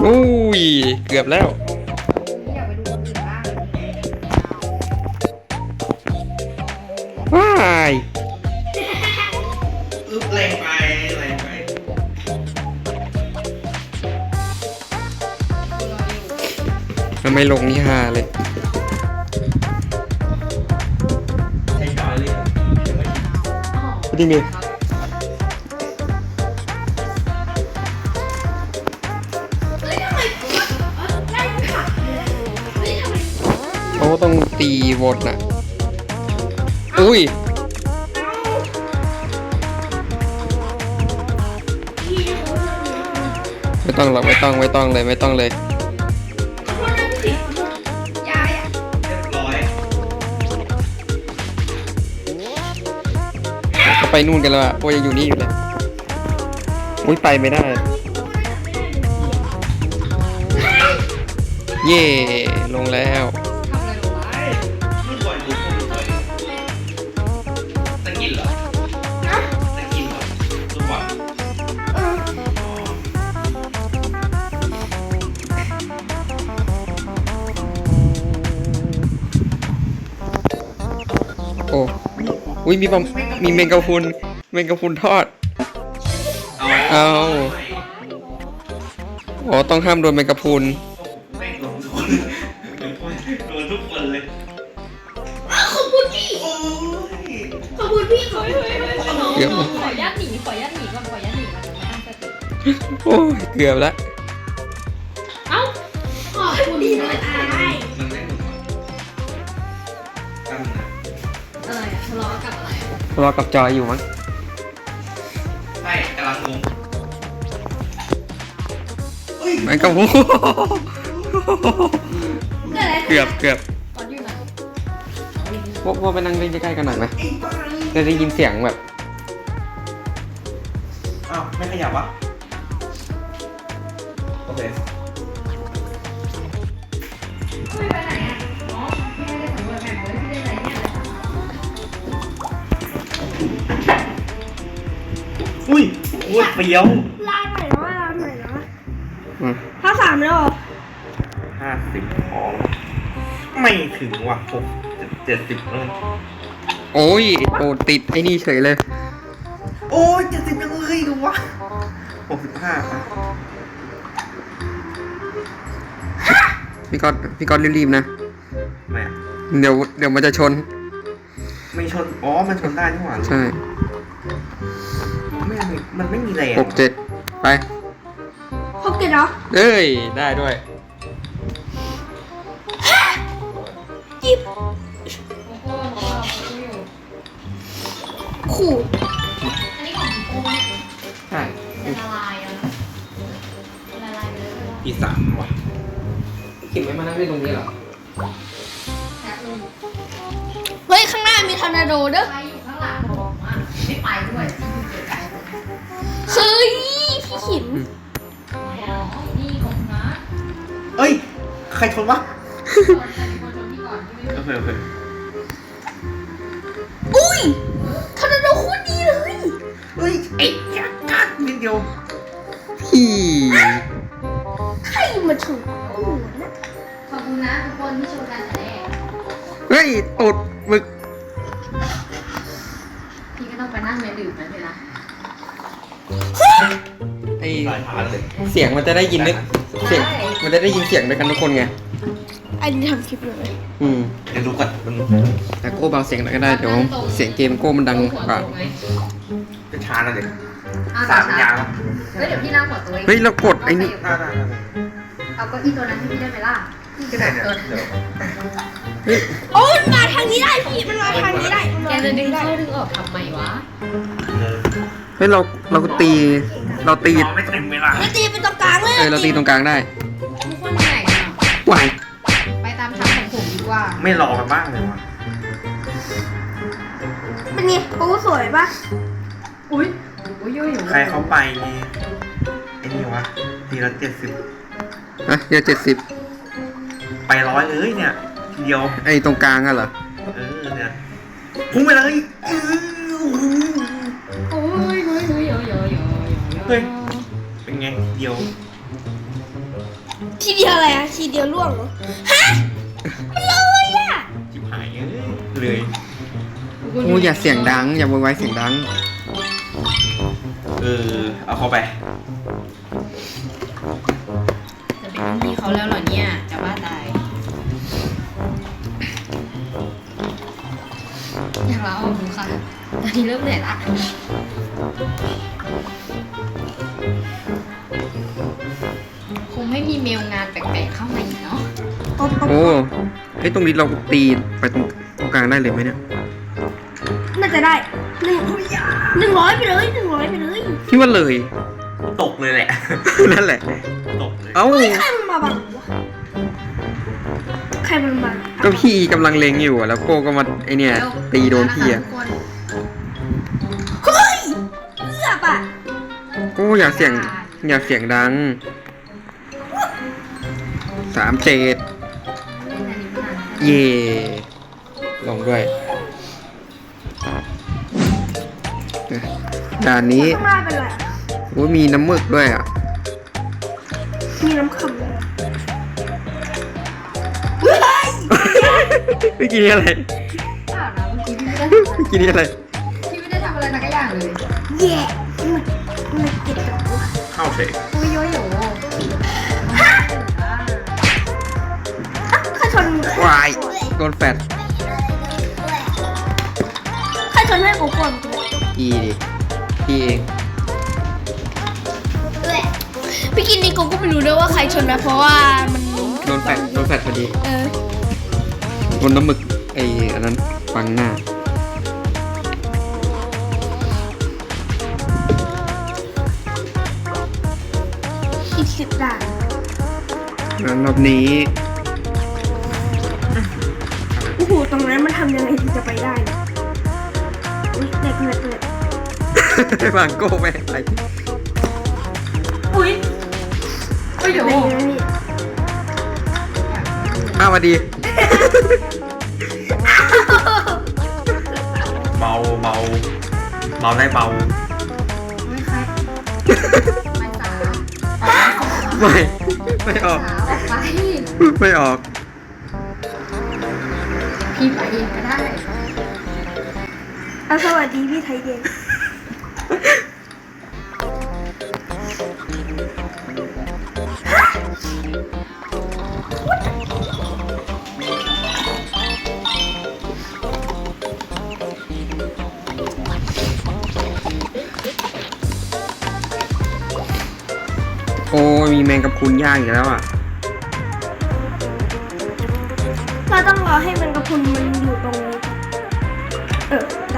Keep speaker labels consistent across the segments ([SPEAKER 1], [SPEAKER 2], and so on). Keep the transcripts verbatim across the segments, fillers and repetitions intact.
[SPEAKER 1] อุ้ยเกือบแล้ว
[SPEAKER 2] อยากไปดูคนอื่นบ้าง
[SPEAKER 1] ว้าย
[SPEAKER 3] อึ๊บแรงไปแรงไป
[SPEAKER 1] ทำไมลงนี่ฮาเลย
[SPEAKER 3] ใช้จอยเลยยังไม่
[SPEAKER 1] เป็นยังไงเขาต้องตีวนน่ะอุ้ยไม่ต้องหรอกไม่ต้องไม่ต้องเลยไม่ต้องเลย
[SPEAKER 3] เรียบร้อย
[SPEAKER 1] เขาไปนู่นกันแล้วอะโอ้ยยังอยู่นี่อยู่เลยอุ้ยไปไม่ได้เย่ลงแล้ว
[SPEAKER 3] ไม่ปล่อยดูคนปล่อยตะกินเหรอตะกินเหรอทุกวัน
[SPEAKER 1] โอ้อุ้ยมีบอมมีเมงกะพรุนเมงกะพรุนทอดเอาอ๋อต้องห้ามโดนเมงกะพรุน
[SPEAKER 3] แม่งโดนทุกคนโดนทุกคนเลย
[SPEAKER 2] ขอบคุณพี่
[SPEAKER 3] โอ้ย
[SPEAKER 2] ขอบคุณพี่ขอบคุณ
[SPEAKER 1] เกือบ
[SPEAKER 2] ขอยัดหนีขอยัดหนีก่อนขอยัดหนีก่อนจะมาตั้งสติ
[SPEAKER 1] โอ้ยเกือบแล้ว
[SPEAKER 2] เอ้าขอบคุณดีเลยอาย
[SPEAKER 3] มันไม่ถูกตั้งนะ
[SPEAKER 2] อะไรอะทะเลาะกับอะไรอะ
[SPEAKER 1] รอกับจอยอยู่มั้ง
[SPEAKER 3] ใช่กำลังงง
[SPEAKER 1] เมงกะพรุน
[SPEAKER 2] เกิดอะไร
[SPEAKER 1] เกือบเกือบ
[SPEAKER 2] ตอนอยู่ไหน
[SPEAKER 1] พวกพวกไปนั่งเล่นใกล้ๆกันหน่อยไหมจะได้ยินเสียงแบบ
[SPEAKER 3] อ้าวไม่ขยับวะโอเค
[SPEAKER 2] ไม่ไปไหนอะอ๋อพี่ไม่ได้สำรวจแผนเลยพี่ได้อะไรเนี่ย
[SPEAKER 3] อุ้ยอุ้ยเปรี้ยว
[SPEAKER 4] ลายใหม่แล้วลายใหม่แล้ว
[SPEAKER 1] อืม
[SPEAKER 4] ภาคสามแล้วเหรอ
[SPEAKER 3] ห้าสิบพอไม่ถึงว่ะหกเจ็ดสิบเออ
[SPEAKER 1] โอ้ยโอ้ติดไอ้นี่เฉยเลย
[SPEAKER 3] โอ้ยเจ็ดสิบยังเลยดูวะหกสิบห้าอ่ะ
[SPEAKER 1] พี่ก๊อตพี่ก๊อตรีบๆนะ
[SPEAKER 3] ไม่อะ
[SPEAKER 1] เดี๋ยวเดี๋ยวมันจะชน
[SPEAKER 3] ไม่ชนอ๋อมันชนได้นี่หว่า
[SPEAKER 1] ใช่
[SPEAKER 3] ไม่มีมันไม่มีแรง
[SPEAKER 1] หกเจ็ดไป
[SPEAKER 4] หกเจ็ดเหรอ
[SPEAKER 1] เอ้ย ได้ด้วย
[SPEAKER 4] จิบ
[SPEAKER 2] โอ้โหของเราเขาอยู่
[SPEAKER 4] ขู่
[SPEAKER 2] อันนี้ของโอ้ย
[SPEAKER 1] ใช่
[SPEAKER 2] จะละลายแล้วนะละลายไปเลย
[SPEAKER 3] อีสามว่ะ
[SPEAKER 1] ขิมไม่มานั่งเล่นตรงนี้เหรอ
[SPEAKER 2] แป๊บนึง
[SPEAKER 4] เฮ้ย ข้างหน้ามีทอร์นาโดเด้อ
[SPEAKER 2] ไปอยู่ข้างหลังผมอ่ะไม่ไปด้วยที่เกิดการ
[SPEAKER 4] เฮ้ย พี่ขิม
[SPEAKER 2] อ๋อนี่ของนะ
[SPEAKER 3] เอ้ยใครชนวะ
[SPEAKER 2] คนจะมีคนชมพี่ก่อนที่ไม่
[SPEAKER 3] โอเคโอเค
[SPEAKER 4] อุ้ยทอร์นาโดโคตรดีเลย
[SPEAKER 3] เฮ้ยไอ้ยักษ์กัดนิดเดียว
[SPEAKER 1] พี่
[SPEAKER 4] ใครมาถูกกูนะ
[SPEAKER 2] ขอบคุณนะทุกคนที่ชมกันแต่แรก
[SPEAKER 1] เฮ้ยตูดหมึก
[SPEAKER 2] พี่ก็ต้องไปนั่งเมดื่มนะพี่นะ
[SPEAKER 1] ไอ
[SPEAKER 3] สายผ่านเลย
[SPEAKER 1] เสียงมันจะได้ยินด้วยเสียงมันจะได้ยินเสียงด้วยกันทุกคนไง
[SPEAKER 4] อันนี้ทำคลิปเลย
[SPEAKER 1] อืม
[SPEAKER 3] เดี๋ยวดูก่อนมัน
[SPEAKER 1] แต่โก้เบาเสียงหน่อยก็ได้ เดี๋ยวเสียงเกมโก้มันดังกว่า
[SPEAKER 3] จะช้าแล้วเด็ก
[SPEAKER 2] อ่ะ
[SPEAKER 3] สามยาว
[SPEAKER 2] เฮ้ยเดี๋ยวพี่นั่งหัวตัวเอง
[SPEAKER 1] เฮ้ยเรากดไอ้นี่
[SPEAKER 3] ได้ได้ได้
[SPEAKER 2] เอาเก็อีตัวนั้นให้พี่ได้ไหมล่ะพี่
[SPEAKER 3] ก็
[SPEAKER 2] จะ
[SPEAKER 3] ได้
[SPEAKER 2] บอก
[SPEAKER 3] เนี่ย
[SPEAKER 2] เออ
[SPEAKER 3] เดี๋ยว
[SPEAKER 1] เฮ้ย
[SPEAKER 4] โอ้ยมันมาทางนี้ได้พี่ มันมาทางนี้ได้
[SPEAKER 2] แกจะดึงเข้าดึงออกทำไมวะ
[SPEAKER 3] เออ
[SPEAKER 1] เฮ้ยเราเราตี เราตี
[SPEAKER 3] รอไม่เต็มเวลา
[SPEAKER 4] แล้วตีไปตรงกลางเลย
[SPEAKER 1] เออเราตีตรงกลางได้
[SPEAKER 2] ทุกคนไหนอ่ะ
[SPEAKER 1] หวาย
[SPEAKER 2] ไปตามทางของผมดีกว่า
[SPEAKER 3] ไม่รอกันบ้างเลยวะ
[SPEAKER 4] เป็นไงโอ้สวยปะ
[SPEAKER 2] อุ้ยอุ้ยยุ่ยอยู่
[SPEAKER 3] ใครเขาไปไอ้นี่วะทีละเจ็ดสิบ
[SPEAKER 1] อะเดี๋ยวเจ็ดสิบ
[SPEAKER 3] ไปร้อยเลยเนี่ยทีเดียว
[SPEAKER 1] ไอ้ตรงกลางอะเหรอ
[SPEAKER 3] เออเนี่ยพุ่งไปเลยเออ
[SPEAKER 2] โอ้ยเฮ้ยเฮ้ยเฮ้ยเฮ้ยเฮ้ย
[SPEAKER 3] เฮ้ยเป็นไงเดียว
[SPEAKER 4] ทีเดียวอะไรอะทีเดียวล่วงเหรอฮะมันเลยอะ
[SPEAKER 3] จิบหายเลย
[SPEAKER 1] โอ้อย่าเสียงดัง อย่าโวยวายเสียงดัง
[SPEAKER 3] เออเอาเข้าไป
[SPEAKER 2] จะเป็นพี่เขาแล้วเหรอเนี่ยจะบ้าตายอยากลาออกดูค่ะตอนนี้เริ่มเหนื่อยละคงไม่มีเมลงานแปลกๆเข้ามาอีกเนาะ
[SPEAKER 4] ป๊อปป๊อป
[SPEAKER 1] โอ้ไอ้ยตรงนี้เราตีไปตรงตรงกลางได้เลยไหมเนี่ย
[SPEAKER 4] น่าจะได้หนึ่งหนึ่งร้อยไปเลยหนึ่งร้อยไปเลย
[SPEAKER 1] พี่ว่าเลย
[SPEAKER 3] ตกเลยแหละ
[SPEAKER 1] นั่นแหละ
[SPEAKER 3] ตกเลย
[SPEAKER 1] เอ้า
[SPEAKER 4] เฮ้ยใครมันมาบังวะใครมันมา
[SPEAKER 1] ก็พี่กำลังเลงอยู่อะแล้วโก้ก็มาไอเนี่ย ตีโดนพี่อะ
[SPEAKER 2] ทุกคน
[SPEAKER 4] เฮ้ยเลือบอะ
[SPEAKER 1] โก้อย่าเสียง อย่าเสียงดัง สามเจ็ด เย่ลงด้วยด่านนี้
[SPEAKER 4] ข้างหน้าเป็นไรอะ
[SPEAKER 1] โอ้ยมีน้ำหมึกด้วยอ่ะ
[SPEAKER 4] มีน้ำขำเลยเฮ้ย
[SPEAKER 1] เมื่อกี้นี่อะไร
[SPEAKER 2] เปล่านะเมื่อกี้พี่ไม่ได้
[SPEAKER 1] เมื่อกี้นี่อะไร
[SPEAKER 2] พี่ไม่ได้ทำอะไรสักอย่างเลย
[SPEAKER 4] แย่มันมันเจ็บตัว
[SPEAKER 3] เข้าเฉย
[SPEAKER 2] โอ้ยโยโย่
[SPEAKER 4] ใครชน
[SPEAKER 1] วายโดนแฟด
[SPEAKER 4] ใครชนให้กูก่อนกู
[SPEAKER 1] อีดิพี่เอง
[SPEAKER 4] พี่กินนี่กูก็ไม่รู้ด้วยว่าใครชนนะเพราะว่ามัน
[SPEAKER 1] โดนแฟดโดนแฟดพอดี
[SPEAKER 4] เออ
[SPEAKER 1] โดนน้ำหมึกไอ้อันนั้นฟังหน้า
[SPEAKER 4] อีกสิบด่าน
[SPEAKER 1] แล้วรอบนี้
[SPEAKER 4] โอ้โหตรงนั้นมันทำยังไงถึงจะไปได้เนี่ยอุ๊ยเด็กเด็กเด็ก
[SPEAKER 1] วางโก้ไปอะไร
[SPEAKER 4] อุ้ย
[SPEAKER 2] โอ้ยโย
[SPEAKER 4] เด็กนะนี่
[SPEAKER 1] อ้าวสวัสดี
[SPEAKER 3] เบาเบาเบาได้เบา
[SPEAKER 2] ไม่ค่ะไม่สาวออกไป
[SPEAKER 1] ไม่ ไม่ออก
[SPEAKER 2] สาวออกไป
[SPEAKER 1] ไม่ออก
[SPEAKER 2] พี่ไปเองก็ได้
[SPEAKER 4] เอาสวัสดีพี่ไทยเด่น
[SPEAKER 1] โอ้ยมีแมงกะพรุนย่างอีกแล้วอ่ะ
[SPEAKER 4] เราต้องรอให้มันกระพุนมันอยู่ตรงนี้เออได้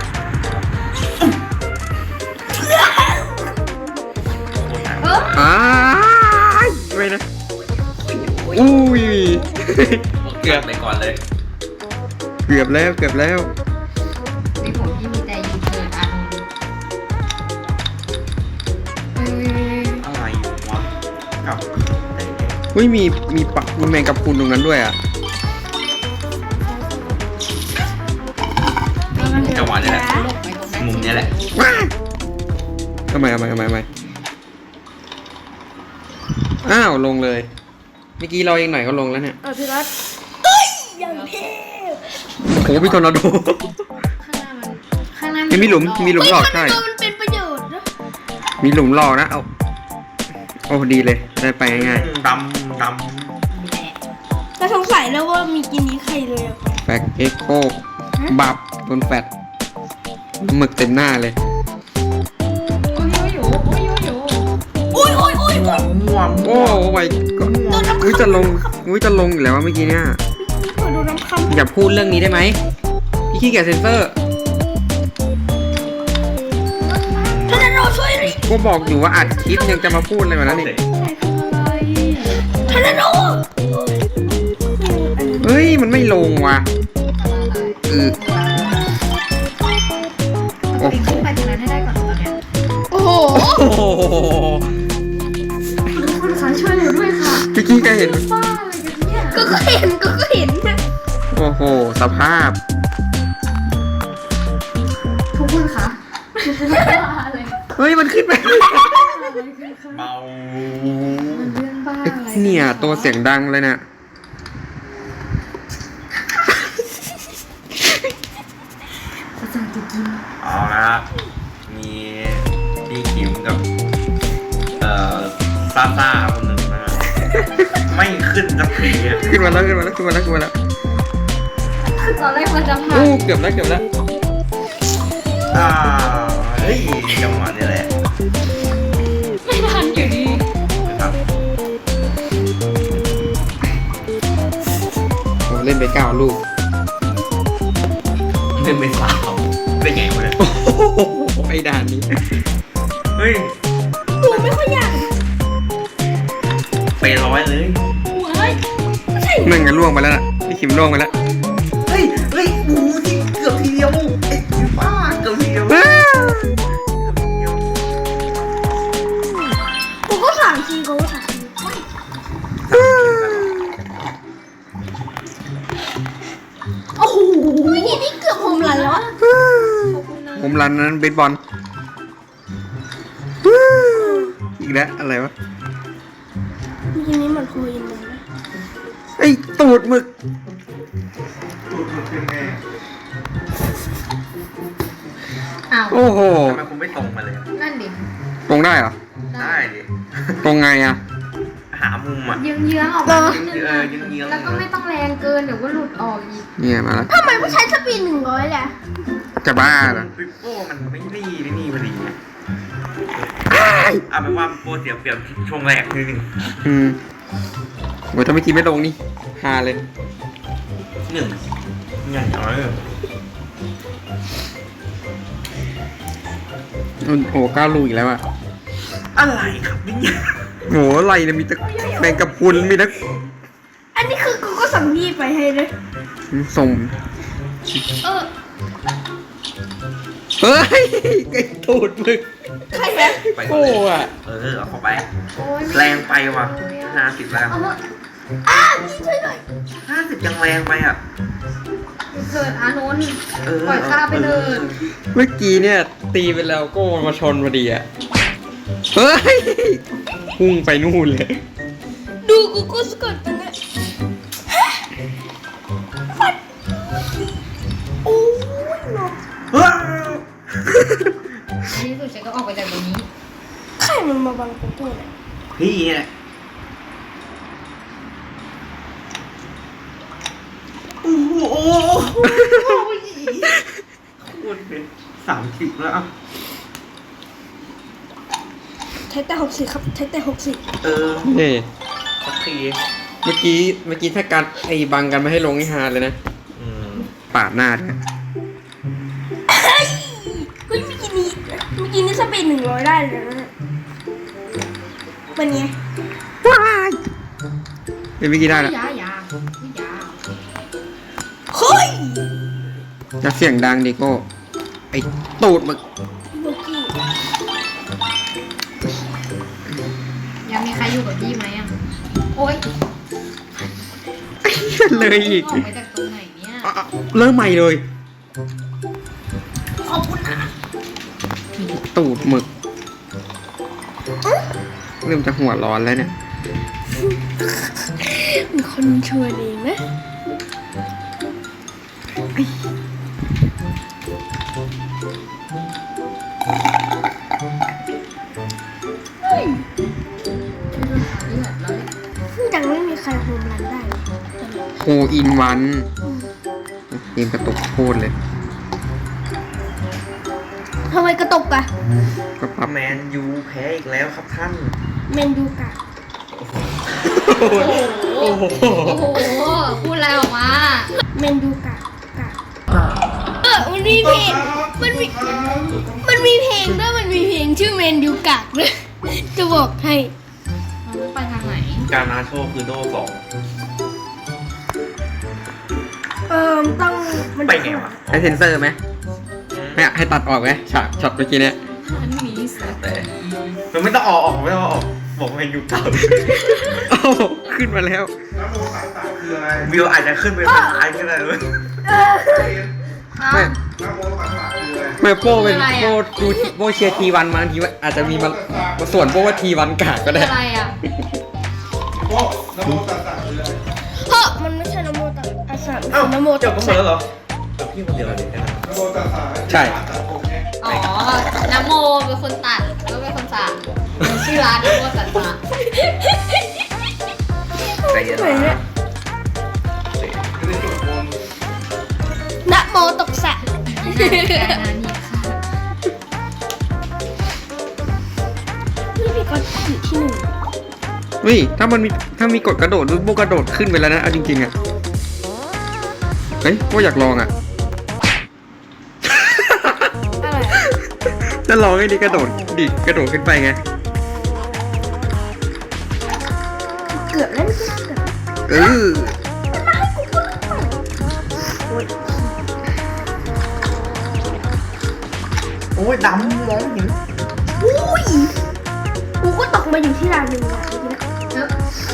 [SPEAKER 2] เออ
[SPEAKER 1] อ้ายไม่นะ อุ้ย
[SPEAKER 3] เกือบไปก่อนเลย
[SPEAKER 1] เกือบแล้ว เกือบแล้ว
[SPEAKER 2] ในผมพี่มีแต่ยูเทิร์นอ่ะเอ้ย
[SPEAKER 3] อะไรวะกับ
[SPEAKER 1] อุ้ยมี มีปักมีแมงกะพรุนตรงนั้นด้วยอ่ะ
[SPEAKER 3] จังหวะนี้แหละ
[SPEAKER 2] ลงไปตรงนั้น
[SPEAKER 3] มุมนี้แหละ
[SPEAKER 1] ว้าทำไมทำไมทำไมทำไมอ้าว ลงเลย เมื่อกี้เราเองหน่อยก็ลงแล้วเนี่ย
[SPEAKER 4] เออพี่รัตเฮ้ยอย่างเทพ
[SPEAKER 1] โอ้โหพี่ทอร์นาโด
[SPEAKER 2] ข้างหน้ามันข้างหน้า
[SPEAKER 1] ยังมีหลุม มีหลุมหลอก
[SPEAKER 4] เฮ้
[SPEAKER 1] ใช่
[SPEAKER 4] ยมันเป็นประโยชน์นะ
[SPEAKER 1] มีหลุมหลอกนะ เอา โอ้ดีเลย ได้ไปง่าย
[SPEAKER 3] ดำด
[SPEAKER 4] แต่สงสัยแล้วว่ามีกินนี้ใครเลยอะ
[SPEAKER 1] ๆแฟกเอ็กโคบับโดนแฟดหมึกเต็มหน้าเลย
[SPEAKER 2] โอ้ยโอ้ยโอ้ยโอ้ยโอ้ย
[SPEAKER 4] อุ้ยอุ้ยอุ้ย
[SPEAKER 3] ำม่วงม่วง
[SPEAKER 1] โอ้โหไปก่อนอุ้ยจะลง อุ้ยจะลงอีกแล้วว่าเมื่อกี้เนี่ย
[SPEAKER 4] พี่ขอดูน้ำคำ
[SPEAKER 1] อย่าพูดเรื่องนี้ได้ไหม พี่ขี้เกียจเซนเซอร์
[SPEAKER 4] ท่านเราช่วยหน่อย
[SPEAKER 1] ก็บอกอยู่ว่าอัดคลิปยังจะมาพูดอะไรแบบนั้นอีก
[SPEAKER 4] ท่านเรา
[SPEAKER 1] เฮ้ย มันไม่ลงว่ะเออ
[SPEAKER 2] โอ้ยขึ้นไปตรงนั้นให้ได้ก่อนตอนเนี้ย
[SPEAKER 4] โอ้โห
[SPEAKER 1] โอ้โห
[SPEAKER 2] ทุกคนคะช่วยหนูด้วยค่ะ
[SPEAKER 1] พี่ขี้ก็เห็น
[SPEAKER 2] บ้าอะไรกันเนี่ย
[SPEAKER 4] ก็ก็เห็นก็ก็เห็นนะ
[SPEAKER 1] โอ้โห สภาพ
[SPEAKER 2] ทุกคนคะบ้าเลย
[SPEAKER 1] เฮ้ย มันขึ้นไป
[SPEAKER 2] ขึ้นค่ะ
[SPEAKER 3] เบา
[SPEAKER 2] มันเรื่องบ้าอะไร
[SPEAKER 1] เนี่ยตัวเสียงดังเลยเนี่ย
[SPEAKER 2] ภาษาจะกิน
[SPEAKER 3] เอาละมีพี่คิมกับเอ่อซาซ่าคนหนึ่งนะฮะไม่ขึ้นสักทีอะ
[SPEAKER 1] ขึ้นมาแล้วขึ้นมาแล้วขึ้นมาแล้วขึ้นมาแล้ว
[SPEAKER 2] คือตอนแรกมันจะผ่า
[SPEAKER 1] โอ้
[SPEAKER 2] น
[SPEAKER 1] เกือบแล้วเกือบแล้ว
[SPEAKER 3] อ่าเฮ้ยจังหวะนี้แหละ
[SPEAKER 2] ไม่ทันอยู่ดี
[SPEAKER 3] นะครับ
[SPEAKER 1] ผมเล่นไปเก้าลูก
[SPEAKER 3] เล่นไม่สาวได้ไงวะเนี่ย
[SPEAKER 1] โอ้โหไอ้ด่านนี้
[SPEAKER 3] เฮ้ย
[SPEAKER 4] ตัวไม่ค่อยยาก
[SPEAKER 3] ไปร้อยเลย
[SPEAKER 2] หัวเลย
[SPEAKER 4] ไม่ใช่
[SPEAKER 1] นั่งกันล่วงไปแล้วน่ะพี่คิมล่วงไปแล้ว
[SPEAKER 3] เฮ้ยเฮ้ยโอ้โหที่เกือบทีเดียวเอ้ยบ้าเกือบทีเดียว
[SPEAKER 1] อ้า
[SPEAKER 4] กูก็สามทีกูก็สามทีโอ้โหนี่นี่เกือบโฮมรันแล้วอะ
[SPEAKER 1] ผมรันนั้นเบสบอลอีกแล้วอะไรวะ
[SPEAKER 4] ทีนี้มันโคยินเลยนะ
[SPEAKER 1] ไอ้ตูดหมึก
[SPEAKER 2] อ้าว
[SPEAKER 1] โอ้โห
[SPEAKER 3] ทำไมคุณไม่ตรงมาเลยอะ
[SPEAKER 2] นั่นดิ
[SPEAKER 1] ตรงได้เหรอ
[SPEAKER 3] ได้ดิ
[SPEAKER 1] ตรงไงอ่ะ
[SPEAKER 3] หามุมอ่ะ
[SPEAKER 2] เยื้องเยื้องๆออกมานิดนึง
[SPEAKER 3] เอ
[SPEAKER 2] อะ
[SPEAKER 3] อเยื้องๆ
[SPEAKER 2] แล้วก็ไม่ต้องแรงเกินเดี๋ยวก็หลุดออกอีก
[SPEAKER 1] เนี่ยมาแล้ว
[SPEAKER 4] ทำไมไม่ใช้สปีดหนึ่งร้อยแหละ
[SPEAKER 1] จะบ้าเหรอ
[SPEAKER 3] ปิโป้มันไม่ดีไม่นี่พอดีไงเอาเป็นว่าโปรเสียเปรียบช่วงแรกนิดนึง
[SPEAKER 1] อืมโอ้ยถ้าไม่ทีไม่ลงนี่ฮาเลย
[SPEAKER 3] หนึ่งอย่างน้อยเลย
[SPEAKER 1] โอ้โหเก้าลูกอีกแล้วอ่ะ
[SPEAKER 3] อะไรครับเนี่ย
[SPEAKER 1] โหอะไรเนี่ยมีแต่แมงกะพรุนมีแต่
[SPEAKER 4] อันนี้คือกูก็สั่งพี่ไปให้เลย
[SPEAKER 1] ส่ง
[SPEAKER 2] เออ
[SPEAKER 1] เฮ้ยไอ้ตูดหมึก
[SPEAKER 4] ใครแพ้
[SPEAKER 3] ไป
[SPEAKER 1] โอ้อะ
[SPEAKER 3] เออเอาเข้าไป
[SPEAKER 2] โอ้ย
[SPEAKER 3] แรงไปว่ะห้าสิบแรง
[SPEAKER 2] เอาเถอะ
[SPEAKER 4] อ้าพี่ช่วยหน่อย
[SPEAKER 3] ห้าสิบยังแรงไปอ่ะ
[SPEAKER 2] เกิดอานนท์
[SPEAKER 3] เออ
[SPEAKER 2] ปล่อยข้าไปเลย
[SPEAKER 1] เมื่อกี้เนี่ย ตีไปแล้วโก็มาชนพอดีอ่ะเฮ้ยพุ่งไปนู่นเลย
[SPEAKER 4] ดูกูก็สะกดกันนะฟัดโอ้ยเนาะ
[SPEAKER 3] ว้าว
[SPEAKER 2] ในที่สุดฉันก็ออกไปจากตรงนี้
[SPEAKER 4] ใครมันมาบังกูตัวเนี่ย
[SPEAKER 3] พี่เนี่ยโอ้โหคุณเป็นสามสิบแล้วอ่ะ
[SPEAKER 4] ใช้แต่หกสิบครับใช้แต่หกสิบ
[SPEAKER 3] เออ
[SPEAKER 1] เฮ้
[SPEAKER 3] สักที
[SPEAKER 1] เมื่อกี้เมื่อกี้ถ้าการไอ้บังกันไม่ให้ลงนี่ฮาเลยนะ
[SPEAKER 3] อืม
[SPEAKER 1] ปาดหน้าด้วย
[SPEAKER 4] เฮ้ยเฮ้ยเมื่อกี้นี้เมื่อกี้นี้สปีดหนึ่งร้อยได้เลยนะเนี่ยเป็นไง
[SPEAKER 1] ว้ายเดี๋ยวเมื่อกี้ได้แล้ว
[SPEAKER 2] ยายาวิยา
[SPEAKER 4] เฮ้ย
[SPEAKER 1] จะเสียงดังดิโก้ไอ้ตูดหมึก
[SPEAKER 4] เมื่อกี้
[SPEAKER 2] ยังมีใครอยู่กับพี่ไหมอ่ะโอ๊ย
[SPEAKER 1] เลยอีก
[SPEAKER 2] ออกไปจากตรงไหนเนี่ย
[SPEAKER 1] อ่ะอ่ะเริ่มใหม่เลย
[SPEAKER 4] ขอบคุณนะ
[SPEAKER 1] ตูดหมึกเริ่มจะหัวร้อนแล้วเนี่ย
[SPEAKER 4] เป็นคนชวนเองนะเฮ้ย
[SPEAKER 2] นี่แหละแล้วเนี่ย
[SPEAKER 4] ยังไม่มีใครโฮมรันได้เลย
[SPEAKER 1] โคอินวันเกมกระตุกโคตรเลย
[SPEAKER 4] ทำไมกระตกอะ
[SPEAKER 1] ก็ปรับ
[SPEAKER 3] แมนยูแพ้อีกแล้วครับท่าน
[SPEAKER 4] เมนยูกะ
[SPEAKER 1] โอ้โห
[SPEAKER 2] โอ้โหพูดอะไรออกมา
[SPEAKER 4] เมนยูกะกะเออมันมีเพลงมันมีมันมีเพลงด้วยมันมีเพลงชื่อเมนยูกะด้วยจะบอกให้
[SPEAKER 2] ไปทางไหน
[SPEAKER 3] การนาโชคือโดสอง
[SPEAKER 4] เออต้องมัน
[SPEAKER 3] ไปไงวะ
[SPEAKER 1] ให้เซ็นเซอร์ไหมให้ให้ตัดออกไหมฉากช็อตเมื่อกี้เนี่ย
[SPEAKER 2] อันนี้สิ
[SPEAKER 3] แต่มันไม่ต้องออกออกไม่ต้องออกบอกแมนยูเก่า
[SPEAKER 1] โอ้โหขึ้นมาแล้ว
[SPEAKER 3] วิวอาจจะขึ้นไปเป็นไอขึ้นอะไรเลย
[SPEAKER 4] เออ
[SPEAKER 2] อ้าว
[SPEAKER 1] ไม่
[SPEAKER 2] อ
[SPEAKER 1] ไม่โป้เป็นโป้ดูโป้เชียร์ทีวันมาบางทีว่าอาจจะมีมามาส่วนโป้ว่าทีวันกากก็
[SPEAKER 2] คือ
[SPEAKER 1] ได้
[SPEAKER 2] อะไรอ่ะ
[SPEAKER 5] โอ้นะโมตัสสะคืออะไร
[SPEAKER 4] เพราะมันไม่ใช่นโมตัสอาสาม
[SPEAKER 3] เอ้า
[SPEAKER 4] นะโม
[SPEAKER 3] จ
[SPEAKER 4] ตั
[SPEAKER 3] บ
[SPEAKER 4] ส
[SPEAKER 3] กันหมด
[SPEAKER 4] สะ
[SPEAKER 3] แล้วเหรอแต่พี่คนเดียวเลยนะ
[SPEAKER 5] นะโมตัสสะ
[SPEAKER 1] ใช่
[SPEAKER 5] ตัดผมไง
[SPEAKER 2] อ๋อน้ำโมเป็นคนตัดแล้วก็เป็นคนสั่งชื่อร้านน้ำโมตัดสะ
[SPEAKER 3] ใจเย็น
[SPEAKER 4] ไหนเนี่ย
[SPEAKER 5] ไม่ได้จดมนต์
[SPEAKER 4] นะโมตกสะ
[SPEAKER 2] นี่ค่ะ
[SPEAKER 4] นี่พี่ก็อยู่ที่หนึ่ง
[SPEAKER 1] เฮ้ยถ้ามันมีถ้ามีกดกระโดดโป้กระโดดขึ้นไปแล้วนะเอาจริงๆอะเฮ้ยโป้อยากลองอะ
[SPEAKER 4] อะไร
[SPEAKER 1] จะลองให้ดีกระโดดดิกระโดดขึ้นไปไง
[SPEAKER 4] เกือบแล้วนี่เกือบ
[SPEAKER 1] เออ
[SPEAKER 3] โอ้ยดำมองเห็น
[SPEAKER 4] อุ้ยกูก็ตกมาอยู่ที่ลานหนึ่งอะเมื่อกี้นะ
[SPEAKER 2] เออ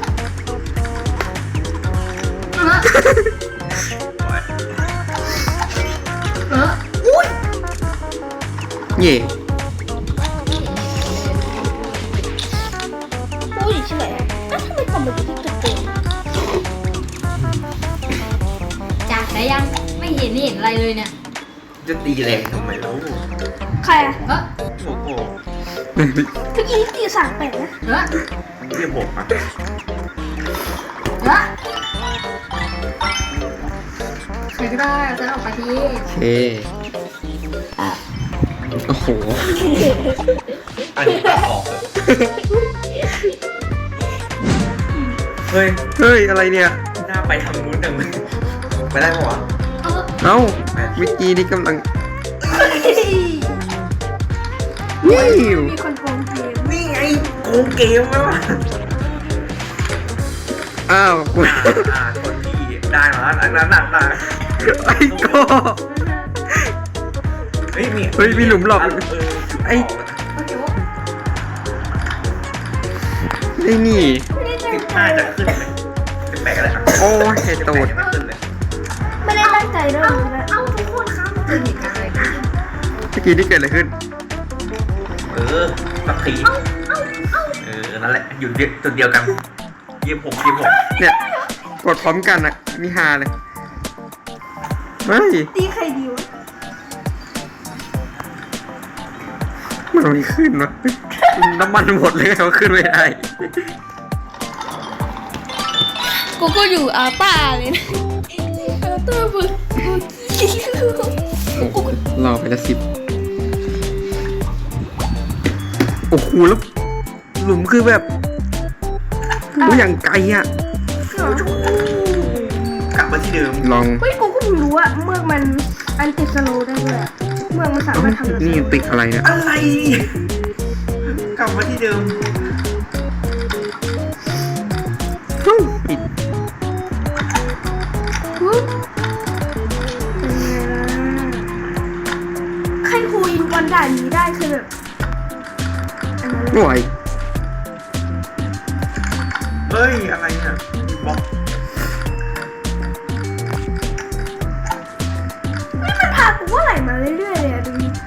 [SPEAKER 2] เออ
[SPEAKER 4] อุ้ย
[SPEAKER 1] เย่
[SPEAKER 4] กูอยู่ที่ไหนอะแล้วทำไมกลับมาอยู่ที่จุดเดิม
[SPEAKER 2] จากได้ยังไม่เห็นเห็นอะไรเลยเนี่ย
[SPEAKER 3] จะตีแรงทำไมแล้ว
[SPEAKER 4] ใครอะ
[SPEAKER 2] เออ
[SPEAKER 3] โอ้โห
[SPEAKER 4] เมื่อกี้ตีสามแปดนะ
[SPEAKER 2] เออ
[SPEAKER 3] เรียกผมอ่ะ
[SPEAKER 2] เออใครก็ได้เอาฉันออกไปที
[SPEAKER 1] โอเคโอ้โห
[SPEAKER 3] อันนี้ตัดออกเลยเฮ้ย
[SPEAKER 1] เฮ้ยอะไรเนี่ย
[SPEAKER 3] หน้าไปทางนู้นจังเลยไปได้ปะวะ
[SPEAKER 2] เออ
[SPEAKER 1] เอ้าเมื่อกี้นี่กำลัง
[SPEAKER 4] นี่
[SPEAKER 1] นี่
[SPEAKER 4] มีคนโกงเกม
[SPEAKER 3] นี่ไงโกงเกมแล้วอ่ะ
[SPEAKER 1] อ้าวกู
[SPEAKER 3] อ่าอ่าคนที่ได้มาแล้วหนักหนักหนัก
[SPEAKER 1] ไอ้โก็
[SPEAKER 3] เฮ้ยมี
[SPEAKER 1] เฮ้ยมีหลุมหลบ
[SPEAKER 3] เออ
[SPEAKER 1] ไอ้
[SPEAKER 2] โอเค
[SPEAKER 1] ไอ้นี่
[SPEAKER 4] ไม่ได้ตั้
[SPEAKER 3] สิ
[SPEAKER 4] ง
[SPEAKER 3] บ
[SPEAKER 4] ใจ
[SPEAKER 3] ห้าจะขึ้นไหมสิบแปดก็ได้ครับ
[SPEAKER 1] โอ้ยไอ้
[SPEAKER 3] สิบ
[SPEAKER 1] ตู
[SPEAKER 3] แป
[SPEAKER 1] ด
[SPEAKER 3] ดยังไม่ขึ้นเลย
[SPEAKER 4] ไม่ได้ตั้งใจด้วยนะ
[SPEAKER 2] เอ้าทุกคนครับเจอเหตุการณ์อะไรขึ้น
[SPEAKER 1] เมื่อกี้นี่เกิดอะไรขึ้น
[SPEAKER 3] เออสักทีเออนั่นแหละอยู่จุดเดียวกันยี่สิบหกยี่สิบหก
[SPEAKER 1] เนี่ย กดพร้อมกันอะนี่ฮาเลยเฮ้ย
[SPEAKER 4] ตีใครดีวะ
[SPEAKER 1] มันไม่ขึ้นวะน้ำมันหมดเลยเขาขึ้นไม่ได้
[SPEAKER 4] กูก็อยู่อาต้าเลยนะอาต้าบึกบึก
[SPEAKER 1] โอ้โหรอไปละสิบโอ้โหแล้วหลุมคือแบบโอ้ยอย่างไกลอะ
[SPEAKER 3] กลับมาที่เดิม
[SPEAKER 1] ลอง
[SPEAKER 4] เฮ้ยกูก็เพิ่งรู้อะเมือกมันอันติดสโลว์ได้ด้วยอะเมือกมันสา
[SPEAKER 1] เอ้าม
[SPEAKER 4] ารถทำแบบ
[SPEAKER 1] นี่ติดอะไรเนี่ย
[SPEAKER 3] อะไรกลับมาที่เดิม
[SPEAKER 1] เฮ้ยปิด
[SPEAKER 4] ฮึเป็นไงล่ะใครคุยวันด่านนี้ได้คือแบบอันนั้นเลย
[SPEAKER 1] ห่วย
[SPEAKER 3] เฮ้ยอะไรเนี่ยบล็อก
[SPEAKER 4] มันพากูว่าไหลมาเรื่อยๆเลยอะดูดิ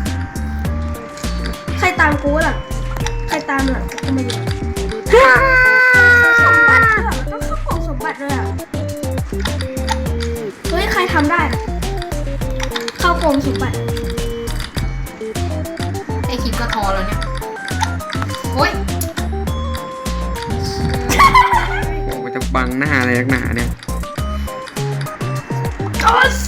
[SPEAKER 4] ใครตามกูหลังใครตามหลังกูไม่รู้สมบัติด้วยอะต้องเข้ากล่องสมบัติด้วยอะเฮ้ยใครทำได้อะเข้ากล่องสมบัติ
[SPEAKER 2] ไอคลิปก็ทอแล้วเนี่ยโอ๊ย
[SPEAKER 1] โอ้มันจะบังหน้าอะไรนักหนาเนี่ย
[SPEAKER 4] โอ๊ย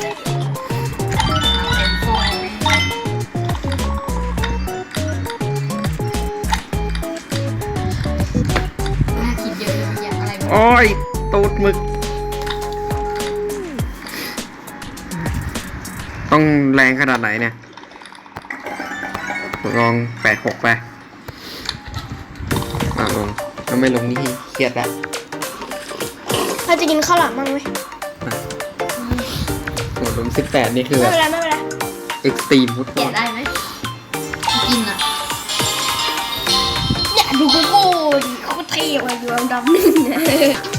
[SPEAKER 2] น่าคิดเยอะเลยเมื่อกี้อะไรวะ
[SPEAKER 1] โอ้ยตูดหมึก ต้องแรงขนาดไหนเนี่ย ลองแปดหกไปมาลงถ้าไม่ลงนี่เครียดละ
[SPEAKER 4] เราจะกินข้าวหลามบ้างไหม
[SPEAKER 1] โอ้ลงสิบแปดนี่คือ
[SPEAKER 4] ไม่
[SPEAKER 1] แบบ
[SPEAKER 4] เป็นไรไม่เป็นไร
[SPEAKER 1] เอ็กซ์ตรีมฟุตบ
[SPEAKER 2] แกะ
[SPEAKER 1] อล
[SPEAKER 2] ได้ไหมกินอ่ะ
[SPEAKER 4] เนี่ยดูกูกูดิเขาก็เท่ว่ะอยู่อันดับหนึ่งเนี่ย